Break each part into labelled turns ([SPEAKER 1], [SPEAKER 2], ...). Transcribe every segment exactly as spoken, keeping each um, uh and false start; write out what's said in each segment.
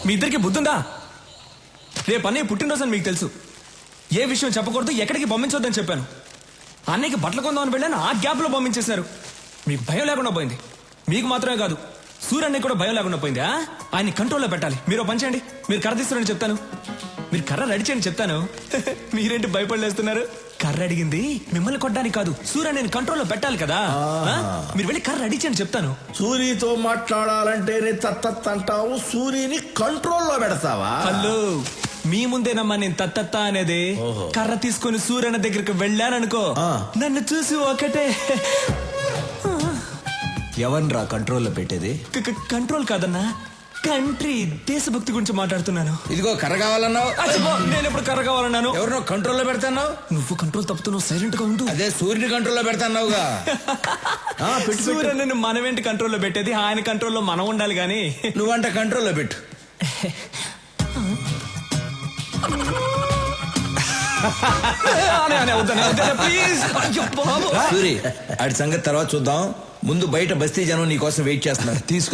[SPEAKER 1] మీ ఇద్దరికి బుద్ధుందా? రేపు అన్నయ్య పుట్టినరోజు అని మీకు తెలుసు. ఏ విషయం చెప్పకూడదు, ఎక్కడికి పంపించొద్దని చెప్పాను. అన్నయ్యకి బట్టలు కొందామని వెళ్ళాను, ఆ గ్యాప్ లో పంపించేశారు. మీకు భయం లేకుండా పోయింది. మీకు మాత్రమే కాదు, సూర్యన్నయ్య కూడా భయం లేకుండా పోయింది. ఆయన్ని కంట్రోల్లో పెట్టాలి. మీరు పని చేయండి, మీరు కర్ర తీస్తున్నారని చెప్తాను. మీరు కర్ర రెడీ చేయండి చెప్తాను. మీరేంటి భయపడలేస్తున్నారు? కర్ర అడిగింది మిమ్మల్ని కొట్టడానికి కాదు, సూర్యన్నయ్యని కంట్రోల్లో పెట్టాలి కదా. మీరు వెళ్ళి కర్ర రెడీ చేయండి చెప్తాను.
[SPEAKER 2] సూర్యతో మాట్లాడాలంటేనే తత్తత్ అంటావు, సూర్యని కంట్రోల్లో పెడతావా?
[SPEAKER 1] హలో, మీ ముందేనమ్మా నేను తత్తత్త అనేది. కర్ర తీసుకుని సూర్యన్న దగ్గరికి వెళ్ళాననుకో, నన్ను చూసి ఒకటే.
[SPEAKER 3] ఎవరిరా కంట్రోల్లో పెట్టేది?
[SPEAKER 1] కంట్రోల్ కాదన్నా, కంట్రీ, దేశభక్తి గురించి మాట్లాడుతున్నాను.
[SPEAKER 2] ఇదిగో కర్ర కావాలన్నావు,
[SPEAKER 1] నేను ఎప్పుడు కర్ర కావాలన్నాను?
[SPEAKER 2] ఎవరినో కంట్రోల్లో పెడతాన్నావు.
[SPEAKER 1] నువ్వు కంట్రోల్ తప్పుతున్నావు, సైలెంట్ గా ఉండు.
[SPEAKER 2] అదే సూర్యుని కంట్రోల్లో పెడతాన్నావుగా.
[SPEAKER 1] సూర్యని మనమేంటి కంట్రోల్లో పెట్టేది, ఆయన కంట్రోల్లో మనం ఉండాలి గాని.
[SPEAKER 2] నువ్వంట కంట్రోల్లో పెట్టు. సూరి, ఆడి సంగతి తర్వాత చూద్దాం. ముందు బయట బస్తీ జనం నీ కోసం వెయిట్ చేస్తున్నారు.
[SPEAKER 3] తీసుకో.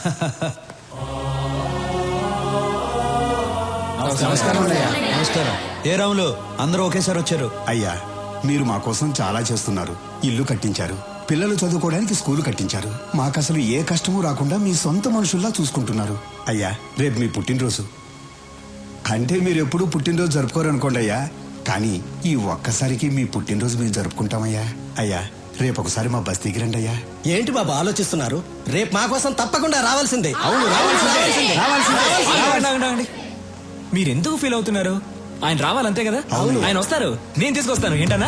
[SPEAKER 3] నమస్కారం. ఏ రాములు, అందరూ ఒకేసారి వచ్చారు.
[SPEAKER 4] అయ్యా, మీరు మా కోసం చాలా చేస్తున్నారు. ఇల్లు కట్టించారు, పిల్లలు చదువుకోవడానికి స్కూలు కట్టించారు. మాకసలు ఏ కష్టమూ రాకుండా మీ సొంత మనుషుల్లా చూసుకుంటున్నారు. అయ్యా, రేపు మీ పుట్టినరోజు. అంటే మీరు ఎప్పుడూ పుట్టినరోజు జరుపుకోరనుకోండి అయ్యా, కానీ ఈ ఒక్కసారికి మీ పుట్టినరోజు మేము జరుపుకుంటామయ్యా. అయ్యా, రేపు ఒకసారి మా బస్తీకి రండి అయ్యా.
[SPEAKER 5] ఏంటి బాబా ఆలోచిస్తున్నారు? రేపు మా కోసం తప్పకుండా రావాల్సిందే.
[SPEAKER 1] అవును, రావాల్సిందే. మీరెందుకు ఫీల్ అవుతున్నారు? ఆయన రావాలంతే కదా. ఆయన వస్తారు, నేను తీసుకొస్తాను. ఏంటన్నా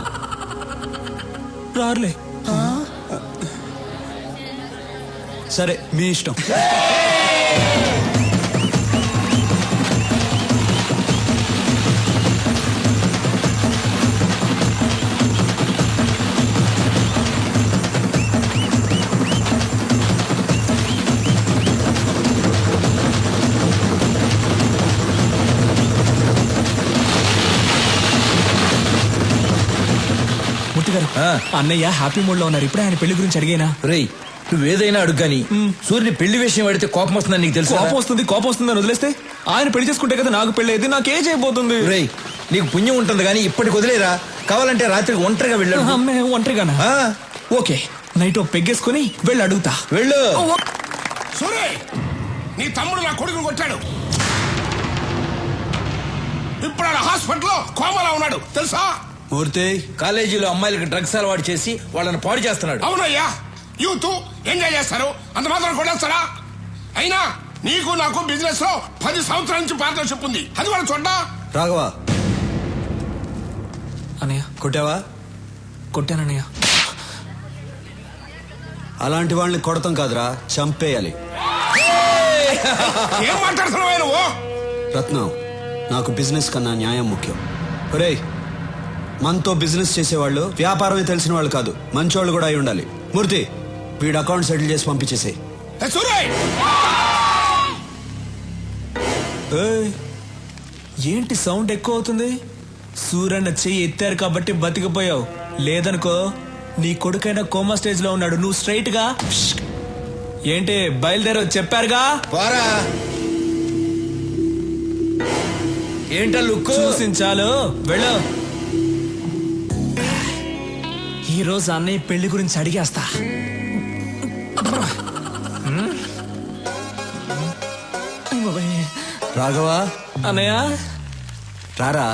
[SPEAKER 1] రారులే.
[SPEAKER 3] సరే, మీ ఇష్టం.
[SPEAKER 1] అన్నయ్య హ్యాపీ మూడ్ లో ఉన్నారు. ఇప్పుడే ఆయన పెళ్లి గురించి అడిగేనా?
[SPEAKER 2] రేయ్, నువ్వేదైనా అడుగుగాని సూర్యుని పెళ్లి విషయం అడిగితే కోపం వస్తుందని నీకు తెలుసు.
[SPEAKER 1] కోపం వస్తుంది కోపం వస్తుందని వదిలేస్తే ఆయన పెళ్లి చేసుకుంటే కదా నాకు పెళ్లి అయితే. నాకేం చేయబోతుంది?
[SPEAKER 2] రేయ్, నీకు పుణ్యం ఉంటుంది కానీ ఇప్పటికి వదిలేరా. కావాలంటే రాత్రికి ఒంటరిగా వెళ్ళాడు.
[SPEAKER 1] ఒంటరిగానా? ఓకే, నైట్ పెగ్గేసుకుని వెళ్ళి అడుగుతా.
[SPEAKER 2] వెళ్ళు.
[SPEAKER 6] సూర్య, నీ తమ్ముడు నా కొడుకుని కొట్టాడు. ఇప్పుడు ఆడ హాస్పిటల్లో కోమాలో ఉన్నాడు తెలుసా?
[SPEAKER 3] మూర్తి,
[SPEAKER 2] కాలేజీలో అమ్మాయిలకు డ్రగ్స్ అలవాటు చేసి వాళ్ళని పాడు చేస్తున్నాడు.
[SPEAKER 6] అవునయ్యా, యూత్ ఎంజాయ్ చేస్తారు, అంత మాత్రం కొట్టేస్తారా? అయినా నీకు నాకు బిజినెస్ లో పది సంవత్సరాల నుంచి పార్ట్నర్షిప్ ఉంది, అది కూడా చూడ్డా.
[SPEAKER 3] రాఘవ,
[SPEAKER 1] అన్నయ్య
[SPEAKER 3] కొట్టావా?
[SPEAKER 1] కొట్టానన్నయ్య.
[SPEAKER 3] అలాంటి వాళ్ళని కొడతాం కాదురా, చంపేయాలి.
[SPEAKER 6] ఏం మాట్లాడుతున్నావు నువ్వు?
[SPEAKER 3] రత్నం, నాకు బిజినెస్ కన్నా న్యాయం ముఖ్యం. ఒరేయ్, మనతో బిజినెస్ చేసేవాళ్ళు వ్యాపారమే తెలిసిన వాళ్ళు కాదు, మంచోళ్ళు కూడా అయి ఉండాలి. మూర్తి, వీడు అకౌంట్ సెటిల్ చేసి పంపించేసే.
[SPEAKER 1] ఏంటి సౌండ్ ఎక్కువ అవుతుంది? సూర్యన్న చెయ్యి ఎత్తారు కాబట్టి బతికిపోయావు, లేదనుకో నీ కొడుకైనా కోమా స్టేజ్ లో ఉన్నాడు. నువ్వు స్ట్రైట్ గా ఏంటి బయలుదేరో చెప్పారుగా.
[SPEAKER 2] ఏంటో లుక్
[SPEAKER 1] చూసించాలు, వెళ్ళు. ఈ రోజు అన్నయ్య పెళ్లి గురించి అడిగేస్తా.
[SPEAKER 3] రాఘవ,
[SPEAKER 1] అన్నయ్య
[SPEAKER 3] రారా.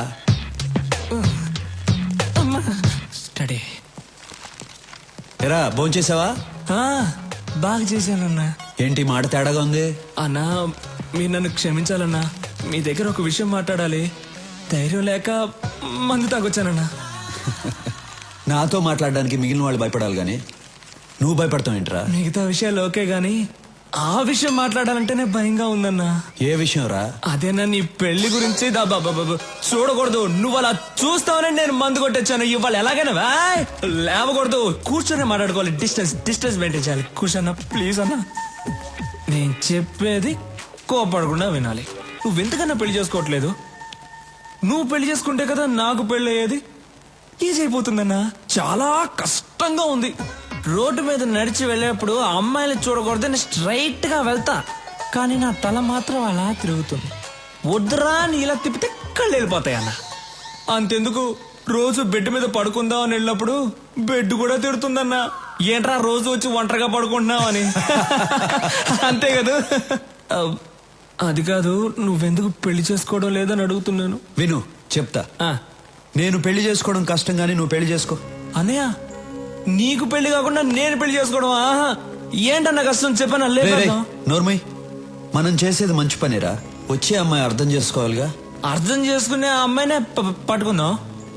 [SPEAKER 1] స్టడీ.
[SPEAKER 3] ఎరా, భోంచేసావా?
[SPEAKER 1] బాగా చేశానన్నా.
[SPEAKER 3] ఏంటి మాట తేడాగా ఉంది?
[SPEAKER 1] అన్నా, మీరు నన్ను క్షమించాలన్నా. మీ దగ్గర ఒక విషయం మాట్లాడాలి. ధైర్యం లేక మందు తాగొచ్చానన్నా.
[SPEAKER 3] నాతో మాట్లాడడానికి మిగిలిన వాళ్ళు భయపడాలి గాని నువ్వు భయపడతావు ఏంట్రా?
[SPEAKER 1] మిగతా విషయాలు ఓకే గాని ఆ విషయం మాట్లాడాలంటేనే భయంగా ఉందన్నా.
[SPEAKER 3] ఏ విషయం రా?
[SPEAKER 1] అదేనా నీ పెళ్లి గురించి. చూడకూడదు, నువ్వు అలా చూస్తావని నేను మందు కొట్టొచ్చాను. ఇవాళ ఎలాగైనా లేవకూడదు, కూర్చొని మాట్లాడుకోవాలి. డిస్టెన్స్ డిస్టెన్స్ మెయింటైన్ చేయాలి. కూర్చోన్నా ప్లీజ్ అన్నా. నేను చెప్పేది కోపడకుండా వినాలి. నువ్వు ఎంతకన్నా పెళ్లి చేసుకోవట్లేదు. నువ్వు పెళ్లి చేసుకుంటే కదా నాకు పెళ్లి అయ్యేది. ఈజీ అయిపోతుందన్నా. చాలా కష్టంగా ఉంది. రోడ్డు మీద నడిచి వెళ్ళేప్పుడు అమ్మాయిని చూడకూడదని స్ట్రైట్ గా వెళ్తా. కానీ నా తల మాత్రం అలా తిరుగుతుంది. వద్దురా అని ఇలా తిప్పితే కళ్ళు వెళ్ళిపోతాయి అన్న. అంతెందుకు రోజు బెడ్ మీద పడుకుందాం అని వెళ్ళినప్పుడు బెడ్ కూడా తిడుతుందన్న. ఏంట్రా రోజు వచ్చి ఒంటరిగా పడుకుంటున్నావు అని. అంతే కదా. అది కాదు, నువ్వెందుకు పెళ్లి చేసుకోవడం లేదని అడుగుతున్నాను.
[SPEAKER 3] విను చెప్తా.
[SPEAKER 1] ఆ,
[SPEAKER 3] నేను పెళ్లి చేసుకోవడం కష్టం కానీ నువ్వు పెళ్లి చేసుకో.
[SPEAKER 1] అన్నయ్య నీకు పెళ్లి కాకుండా నేను పెళ్లి చేసుకోవడం ఆహా ఏంటన్న కష్టం చెప్పనా?
[SPEAKER 3] రేయ్, రేయ్,
[SPEAKER 1] లేదు
[SPEAKER 3] నోర్మయ్, మనం చేసేది మంచి పనిరా. వచ్చే అమ్మాయి అర్థం చేసుకోవాలిగా.
[SPEAKER 1] అర్థం చేసుకునే ఆ అమ్మాయినే ప- పట్టుకుందాం.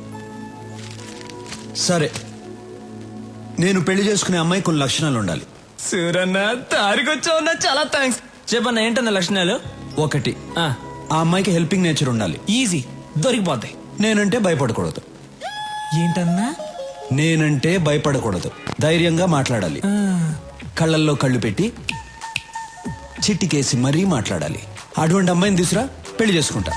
[SPEAKER 3] సరే, నేను పెళ్లి చేసుకునే అమ్మాయి కొన్ని లక్షణాలు ఉండాలి.
[SPEAKER 1] సూరన్న తారికొచ్చావున్నా చాలా థ్యాంక్స్. చెప్పన్న ఏంటన్న లక్షణాలు?
[SPEAKER 3] ఒకటి,
[SPEAKER 1] ఆ,
[SPEAKER 3] ఆ అమ్మాయికి హెల్పింగ్ నేచర్ ఉండాలి.
[SPEAKER 1] ఈజీ దొరికిపోతాయి.
[SPEAKER 3] నేనంటే భయపడకూడదు.
[SPEAKER 1] ఏంటన్నా?
[SPEAKER 3] నేనంటే భయపడకూడదు. ధైర్యంగా మాట్లాడాలి.
[SPEAKER 1] ఆ,
[SPEAKER 3] కళ్ళల్లో కళ్ళు పెట్టి చిట్టికేసి మరీ మాట్లాడాలి. అటువంటి అమ్మాయిని తీసురా, పెళ్లి చేసుకుంటా.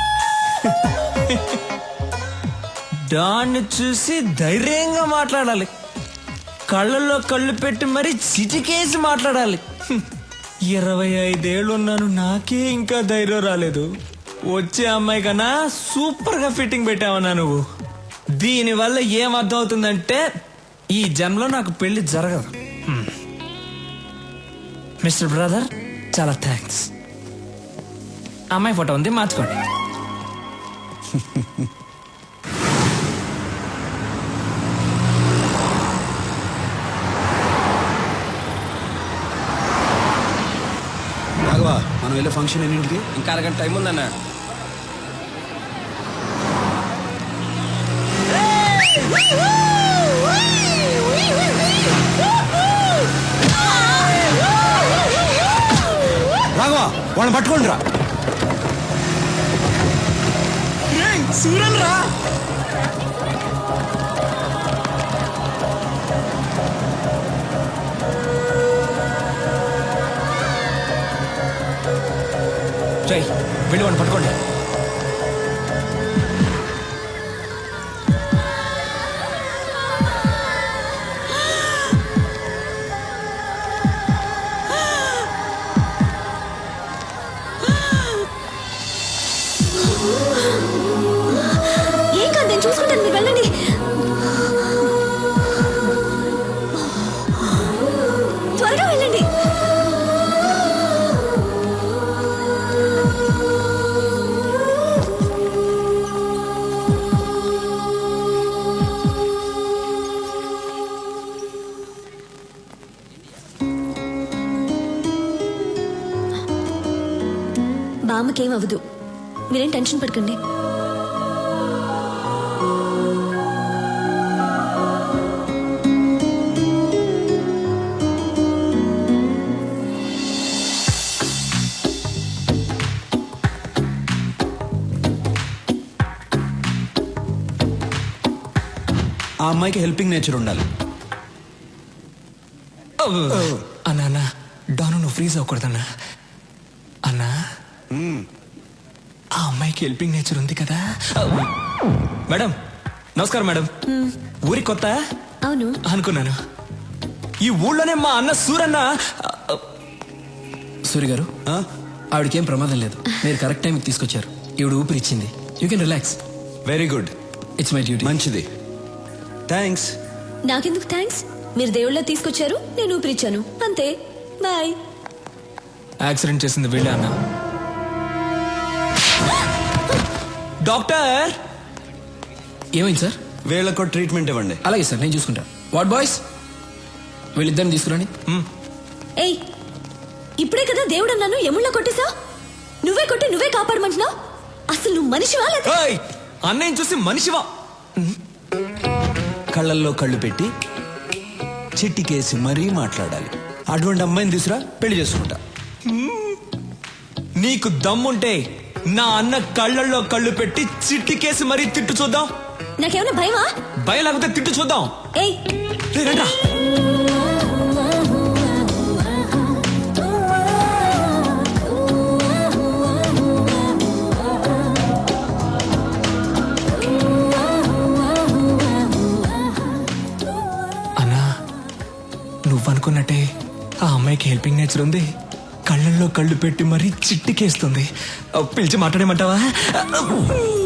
[SPEAKER 1] దాన్ని చూసి ధైర్యంగా మాట్లాడాలి. కళ్ళల్లో కళ్ళు పెట్టి మరి చిటికేసి మాట్లాడాలి. హ్మ్. ఇరవై ఐదేళ్ళు ఉన్నాను, నాకే ఇంకా ధైర్యం రాలేదు. వచ్చే అమ్మాయి కన్నా సూపర్ గా ఫిట్టింగ్ పెట్టావన్నా నువ్వు. దీని వల్ల ఏం అర్థం అవుతుందంటే ఈ జన్మలో నాకు పెళ్లి జరగదు. హ్మ్. మిస్టర్ బ్రదర్ చాలా థ్యాంక్స్. అమ్మాయి ఫోటో ఉంది, మార్చుకోండి.
[SPEAKER 3] రాఘవా, మనం వెళ్ళే ఫంక్షన్ ఎన్నింటికి?
[SPEAKER 5] ఇంకా అరగంట టైం ఉందన్న.
[SPEAKER 3] రాఘవా, వాళ్ళని పట్టుకోండి రా.
[SPEAKER 1] సూరన్ రా. జై వెళ్ళి వాడిని పట్టుకోండి.
[SPEAKER 7] ఏం కాదు, నేను చూసుకుంటాను, మీరు వెళ్ళండి. త్వరగా వెళ్ళండి. బామ్మకేం అవ్వదు, మీరేం టెన్షన్ పడకండి.
[SPEAKER 3] ఆ అమ్మాయికి హెల్పింగ్ నేచర్ ఉండాలి.
[SPEAKER 1] అన్నా అన్నా డాను నువ్వు ఫ్రీజ్ అవ్వకూడదన్నా. అన్నా ఆ అమ్మాయికి హెల్పింగ్ నేచర్ ఉంది కదా. మేడం నమస్కారం మేడం. ఊరి కొత్త
[SPEAKER 7] అవును,
[SPEAKER 1] అనుకున్నాను. ఈ ఊళ్ళోనే మా అన్న సూరన్న.
[SPEAKER 5] సూర్య గారు,
[SPEAKER 3] ఆ?
[SPEAKER 5] ఆవిడకేం ప్రమాదం లేదు. మీరు కరెక్ట్ టైంకి తీసుకొచ్చారు. ఈవిడ ఊపిరిచ్చింది. You can relax.
[SPEAKER 3] Very good,
[SPEAKER 5] it's my duty.
[SPEAKER 3] మంచిది, థ్యాంక్స్.
[SPEAKER 7] నాకెందుకు థ్యాంక్స్? మీరు దేవుళ్ళ తీసుకొచ్చారు, నేను ఊపిరిచ్చాను, అంతే. బాయ్.
[SPEAKER 1] యాక్సిడెంట్ చేసింది వీళ్ళే అన్న. డాక్టర్
[SPEAKER 5] ఏమైంది సార్?
[SPEAKER 3] వీళ్ళకు ట్రీట్మెంట్ ఇవ్వండి.
[SPEAKER 5] అలాగే సార్, నేను చూసుకుంటా. వాట్ బాయ్స్, వీళ్ళిద్దరిని తీసుకురండి.
[SPEAKER 7] ఏయ్, ఇప్పుడే కదా దేవుడు అన్నాను, ఎముళ్ళ కొట్టేసా? నువ్వే కొట్టి నువ్వే కాపాడమంటున్నావు. అసలు నువ్వు మనిషివా లేదా?
[SPEAKER 1] ఏయ్, అన్నయ్యని చూసి మనిషివా?
[SPEAKER 3] కళ్ళల్లో కళ్ళు పెట్టి చిట్టికేసి మరీ మాట్లాడాలి. అటువంటి అమ్మాయిని తీసురా, పెళ్లి చేసుకుంటా.
[SPEAKER 1] నీకు దమ్ముంటే నా అన్న కళ్ళల్లో కళ్ళు పెట్టి చిట్టికేసి మరీ తిట్టు చూద్దాం.
[SPEAKER 7] నాకేమైనా భయమా?
[SPEAKER 1] భయం లేకపోతే తిట్టు చూద్దాం.
[SPEAKER 7] ఏయ్,
[SPEAKER 1] రే, రండ్రా. అన్నా నువ్వనుకున్నట్టే ఆ అమ్మాయికి హెల్పింగ్ నేచర్ ఉంది. కళ్ళల్లో కళ్ళు పెట్టి మరీ చిట్టికేస్తుంది పిలిచి మాట్లాడేమంటావా